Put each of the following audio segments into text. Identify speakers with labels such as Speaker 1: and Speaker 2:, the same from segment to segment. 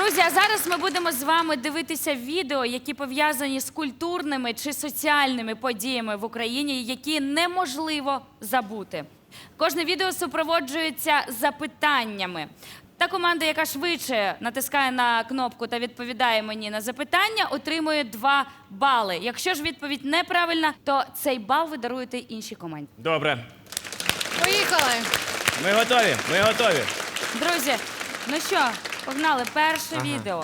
Speaker 1: Друзі, а зараз ми будемо з вами дивитися відео, які пов'язані з культурними чи соціальними подіями в Україні, які неможливо забути. Кожне відео супроводжується запитаннями. Та команда, яка швидше натискає на кнопку та відповідає мені на запитання, отримує 2 бали. Якщо ж відповідь неправильна, то цей бал ви даруєте іншій команді.
Speaker 2: Добре.
Speaker 3: Поїхали!
Speaker 2: Ми готові, ми готові.
Speaker 1: Друзі, ну що, погнали, перше відео.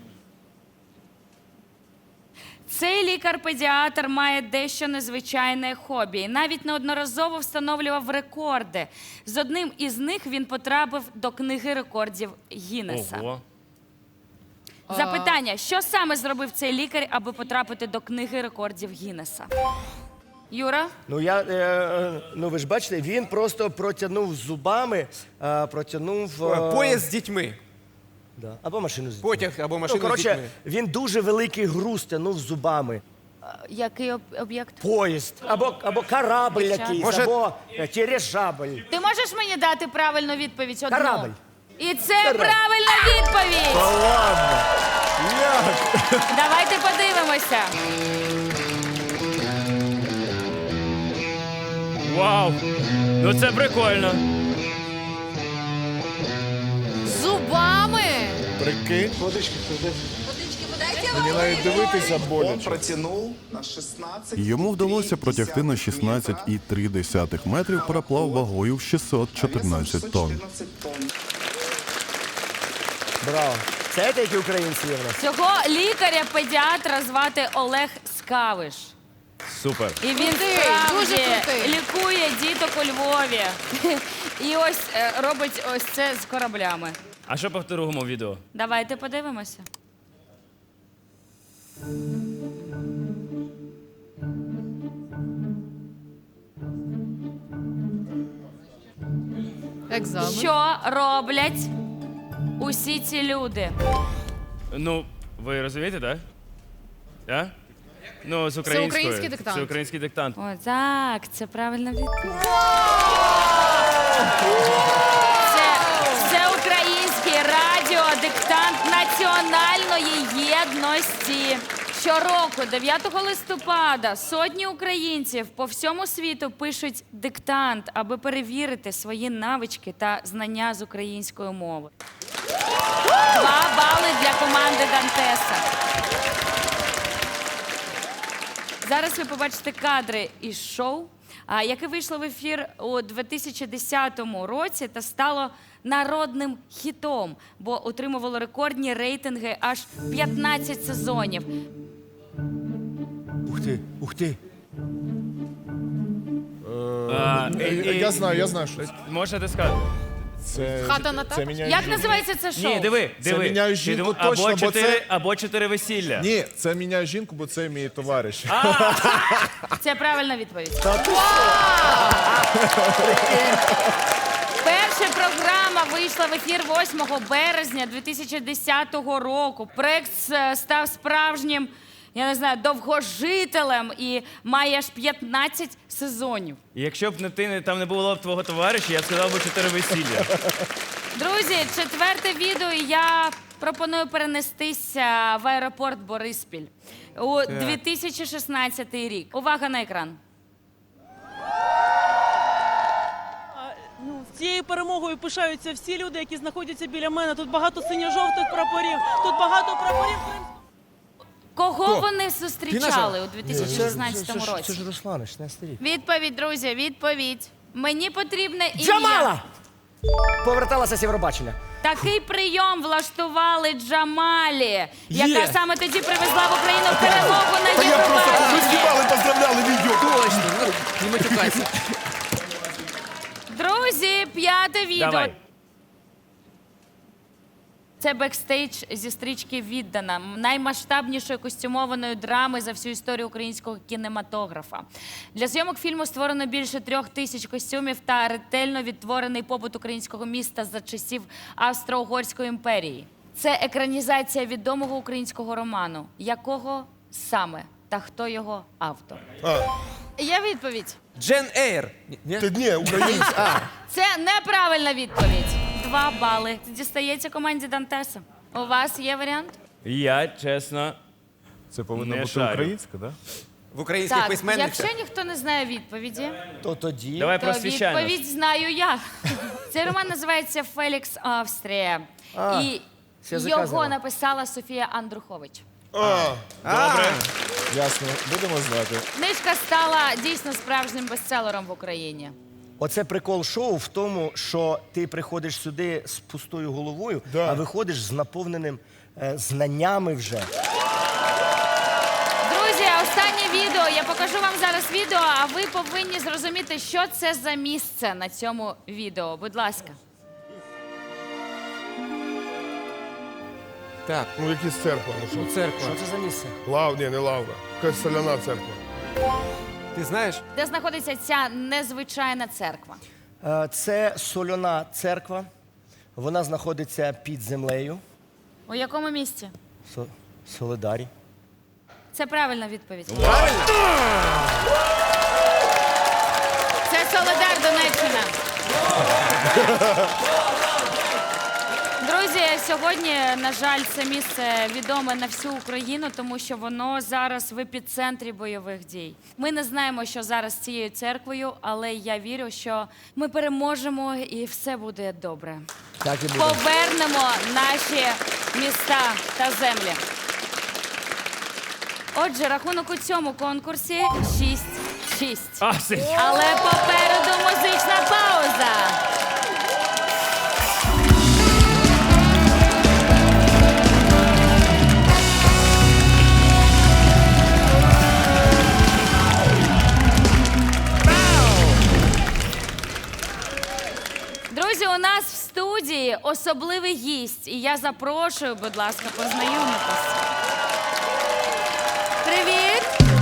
Speaker 1: Цей лікар-педіатр має дещо незвичайне хобі. І навіть неодноразово встановлював рекорди. З одним із них він потрапив до книги рекордів Гіннеса.
Speaker 2: Ого.
Speaker 1: Запитання, що саме зробив цей лікар, аби потрапити до книги рекордів Гіннеса? Юра?
Speaker 4: Ну, ну ви ж бачите, він просто протягнув зубами,
Speaker 5: Поїзд з дітьми.
Speaker 4: Да. Або машину з дітьми.
Speaker 5: Потяг або машину з
Speaker 4: коротше,
Speaker 5: дітьми.
Speaker 4: він дуже великий груз тягнув зубами.
Speaker 1: Який об'єкт?
Speaker 4: Поїзд, або корабль якийсь,
Speaker 5: Може-
Speaker 4: або дирижабль.
Speaker 1: Ти можеш мені дати правильну відповідь? Одну?
Speaker 4: Корабль.
Speaker 1: І це правильна відповідь!
Speaker 4: Ладно.
Speaker 1: Давайте подивимося.
Speaker 2: Вау! Ну це прикольно.
Speaker 3: Зубами!
Speaker 6: Прикинь. Мені навіть дивитися
Speaker 7: Он
Speaker 6: боляче.
Speaker 7: протянул на 16.
Speaker 8: Йому вдалося протягти на 16,3 метрів пароплав вагою в 614 тонн.
Speaker 7: 14 тонн.
Speaker 4: Браво. Це які українці є в нас?
Speaker 1: Цього лікаря-педіатра звати Олег Скавиш.
Speaker 2: Супер.
Speaker 1: І він
Speaker 3: Крутий,
Speaker 1: справді
Speaker 3: дуже крутий.
Speaker 1: лікує діток у Львові. І ось робить ось це з кораблями.
Speaker 2: А що по другому відео?
Speaker 1: Давайте подивимося.
Speaker 3: Екзамен.
Speaker 1: Що роблять усі ці люди?
Speaker 2: Ну, ви розумієте, так? Да? Ну, з українською.
Speaker 3: український диктант.
Speaker 2: Це український диктант.
Speaker 1: О, так, це правильна відповідь. Це український радіодиктант національної єдності. Щороку, 9 листопада, сотні українців по всьому світу пишуть диктант, аби перевірити свої навички та знання з української мови. 2 бали для команди Дантеса. Зараз ви побачите кадри із шоу, яке вийшло в ефір у 2010 році та стало народним хітом, бо отримувало рекордні рейтинги аж 15 сезонів.
Speaker 4: Ух ти.
Speaker 6: Я знаю, що це.
Speaker 2: Можете ти сказати?
Speaker 6: Це.
Speaker 3: Хата на так?
Speaker 6: Це міняє
Speaker 1: Як
Speaker 6: жінку.
Speaker 1: називається це шоу?
Speaker 2: Ні, диви.
Speaker 6: міняю
Speaker 2: Ти
Speaker 6: жінку
Speaker 2: диви,
Speaker 6: точно, бо це-
Speaker 2: або 4 весілля.
Speaker 6: Ні, це міняє жінку, бо це мій товариш.
Speaker 1: Це правильна відповідь.
Speaker 4: Та ти
Speaker 1: Перша програма вийшла в ефір 8 березня 2010 року. Проект став справжнім, я не знаю, довгожителем і має аж 15 сезонів.
Speaker 2: І якщо б там не було б твого товариша, я б сказав би 4 весілля.
Speaker 1: Друзі, 4-те відео, і я пропоную перенестися в аеропорт Бориспіль у 2016 рік. Увага на екран.
Speaker 9: Ну, цією перемогою пишаються всі люди, які знаходяться біля мене. Тут багато синьо-жовтих прапорів, тут багато прапорів.
Speaker 1: Кого вони зустрічали у 2016
Speaker 4: Це
Speaker 1: році?
Speaker 4: ж Руслан, 16 рік.
Speaker 1: Відповідь, друзі, відповідь. Мені потрібне ім'я.
Speaker 4: Джамала! Поверталася з Євробачення.
Speaker 1: Такий прийом влаштували Джамалі, яка саме тоді привезла в Україну перемогу на Євробаченні.
Speaker 6: поздравляли відео.
Speaker 5: Точно, не матюкайся.
Speaker 1: Друзі, 5-те відео.
Speaker 2: Давай.
Speaker 1: Це бекстейдж зі стрічки «Віддана», наймасштабнішої костюмованої драми за всю історію українського кінематографа. Для зйомок фільму створено більше 3000 костюмів та ретельно відтворений побут українського міста за часів Австро-Угорської імперії. Це екранізація відомого українського роману. Якого саме? Та хто його автор? Є відповідь?
Speaker 5: Джен Ейр. Ні?
Speaker 6: Ні, українці.
Speaker 1: Це неправильна відповідь. 2 бали. Дістається команді Дантеса. У вас є варіант?
Speaker 2: Я, чесно,
Speaker 6: Це повинно
Speaker 2: Не
Speaker 6: бути
Speaker 2: шарю.
Speaker 6: українська, так? Да?
Speaker 5: В українських
Speaker 1: Так,
Speaker 5: письменниках.
Speaker 1: якщо ніхто не знає відповіді,
Speaker 4: То тоді.
Speaker 2: давай
Speaker 1: то
Speaker 2: просвіщай нас.
Speaker 1: відповідь знаю я. Цей роман називається «Фелікс Австрія». І
Speaker 4: з язика
Speaker 1: його
Speaker 4: взяла.
Speaker 1: написала Софія Андрухович.
Speaker 2: Добре.
Speaker 6: Ясно, будемо знати.
Speaker 1: Книжка стала дійсно справжнім бестселером в Україні.
Speaker 4: Оце прикол шоу в тому, що ти приходиш сюди з пустою головою,
Speaker 6: Да.
Speaker 4: а виходиш з наповненим знаннями вже.
Speaker 1: Друзі, останнє відео. Я покажу вам зараз відео, а ви повинні зрозуміти, що це за місце на цьому відео. Будь ласка.
Speaker 5: Так,
Speaker 6: Ну, якісь церква, ну що?
Speaker 5: церква.
Speaker 4: Що це за місце?
Speaker 6: Ні, не лавра. Якась соляна церква.
Speaker 5: Ти знаєш?
Speaker 1: Де знаходиться ця незвичайна церква?
Speaker 4: Це соляна церква. Вона знаходиться під землею.
Speaker 1: У якому місці?
Speaker 4: Солидарі.
Speaker 1: Це правильна відповідь. Це Солидар, Донеччина. Друзі, сьогодні, на жаль, це місце відоме на всю Україну, тому що воно зараз в епіцентрі бойових дій. Ми не знаємо, що зараз з цією церквою, але я вірю, що ми переможемо і все буде добре.
Speaker 4: Так і буде.
Speaker 1: Повернемо наші міста та землі. Отже, рахунок у цьому конкурсі 6-6.
Speaker 2: А, все.
Speaker 1: Але попереду музична пауза. Друзі, у нас в студії особливий гість, і я запрошую, будь ласка, познайомитись. Привіт!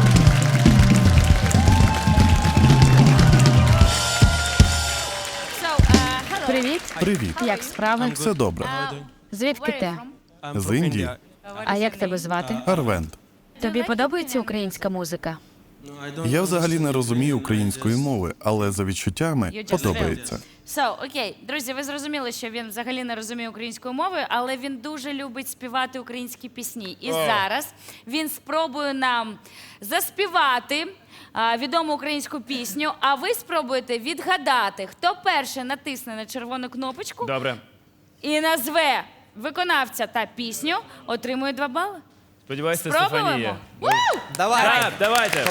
Speaker 3: Привіт.
Speaker 8: Привіт.
Speaker 3: Як справи?
Speaker 8: Все добре.
Speaker 3: Звідки ти?
Speaker 8: З Індії.
Speaker 3: А як тебе звати?
Speaker 8: Арвент.
Speaker 3: Тобі подобається українська музика?
Speaker 8: Я взагалі не розумію української мови, але за відчуттями подобається.
Speaker 1: Окей, друзі, ви зрозуміли, що він взагалі не розуміє української мови, але він дуже любить співати українські пісні. І зараз він спробує нам заспівати відому українську пісню, а ви спробуєте відгадати, хто перший натисне на червону кнопочку
Speaker 2: Добре.
Speaker 1: і назве виконавця та пісню, отримує 2 бали.
Speaker 2: Сподіваюся, це
Speaker 1: Спробуємо?
Speaker 2: Стефанія.
Speaker 5: Давай.
Speaker 2: Так, давайте.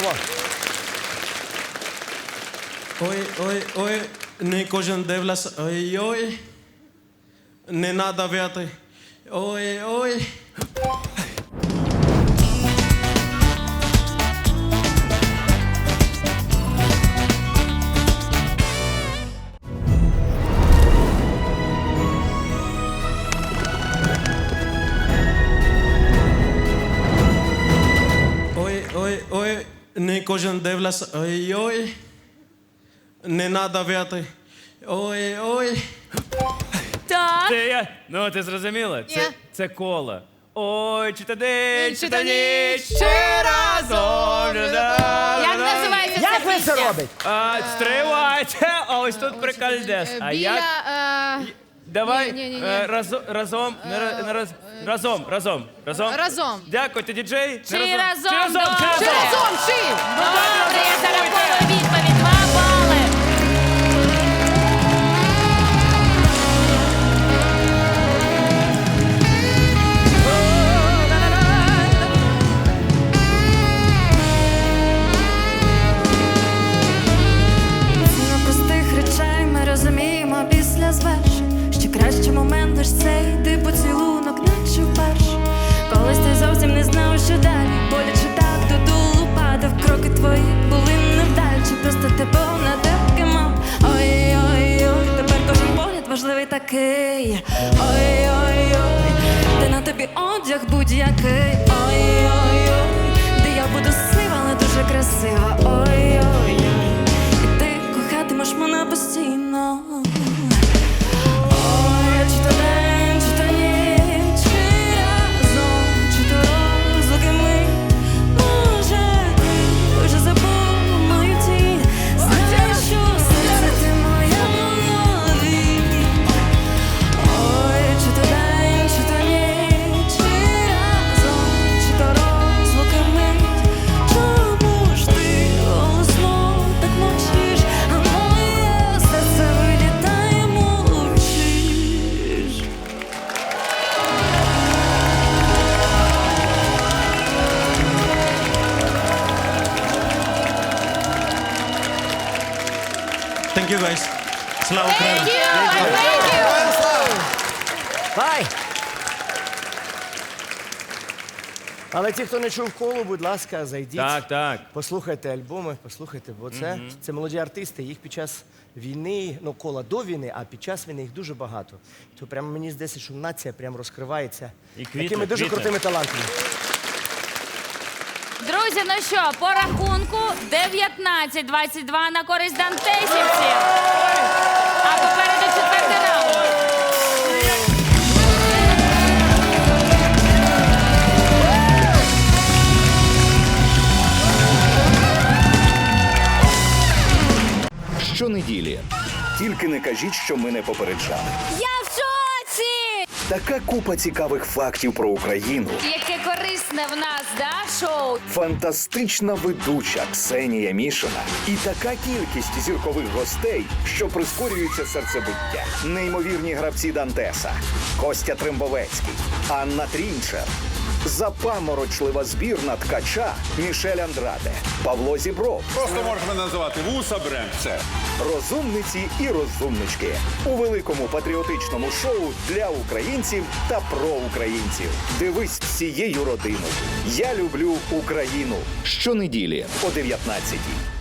Speaker 10: Ой, ой, ой, не кожен дивляться, ой, ой, не надо в'яти, ой, ой. Ой, ой, ой, не кожен дивляться, ой, ой, не надо в'яти, ой, ой.
Speaker 1: Так.
Speaker 2: Це я. Ну, ти зрозуміла? Це коло. Ой, чи та день, чи та ніч, чи разом.
Speaker 1: Як називається ця
Speaker 4: Як ви
Speaker 1: пісня?
Speaker 4: це робите?
Speaker 2: Стривайте, а ось тут прикольдес. А як? Давай разом, разом.
Speaker 3: Разом.
Speaker 2: Дякую, діджей.
Speaker 1: Чи
Speaker 2: Не
Speaker 1: разом?
Speaker 2: Чи разом?
Speaker 1: Добре.
Speaker 2: Чи разом?
Speaker 3: Разом чи?
Speaker 1: Добре, я зараховую відповідь. 2 бали.
Speaker 11: Ціна простих речей ми розуміємо після звершень. Ще кращий момент лиш цей, де поцілунок, наче вперше. Колись ти зовсім не знав, що далі. Боляче так додолу падав. Кроки твої були невдачі. Просто ти був на таки мав. Ой-ой-ой, тепер кожен погляд важливий такий. Ой-ой-ой, де на тобі одяг будь-який. Ой-ой-ой, де я буду сива, але дуже красива. Ой-ой-ой, і ти кохатимеш мене постійно. Ой, чи то день, чи то ніч, чи разом, чи то розлуки ми. Може, ти вже забув мою тінь. Знаєш, що серце ти моя навік. Ой, чи то день, чи то ніч,
Speaker 10: Слава Україні!
Speaker 4: Бай! Але ті, хто не чув колу, будь ласка, зайдіть.
Speaker 2: Так.
Speaker 4: Послухайте альбоми, послухайте, бо це молоді артисти, їх під час війни, ну, кола до війни, а під час війни їх дуже багато. То прямо мені здається, що нація прямо розкривається
Speaker 2: І квітне,
Speaker 4: такими дуже
Speaker 2: квітне.
Speaker 4: крутими талантами.
Speaker 1: Друзі, ну що, по рахунку 19-22 на користь дантесівців. А попереду четвертий раунд.
Speaker 12: Щонеділі. Тільки не кажіть, що ми не попереджали.
Speaker 11: Я в шоці!
Speaker 12: Така купа цікавих фактів про Україну.
Speaker 1: Яке корисне в нас, да, шоу?
Speaker 12: Фантастична ведуча Ксенія Мішина. І така кількість зіркових гостей, що прискорюється серцебиття. Неймовірні гравці Дантеса. Костя Трембовецький, Анна Трінчер. Запаморочлива збірна ткача Мішель Андраде, Павло Зібров.
Speaker 6: Просто можеш мене називати Вуса Бренд. Все.
Speaker 12: Розумниці і розумнички у великому патріотичному шоу для українців та про українців. Дивись всією родиною. Я люблю Україну. Щонеділі о 19-й.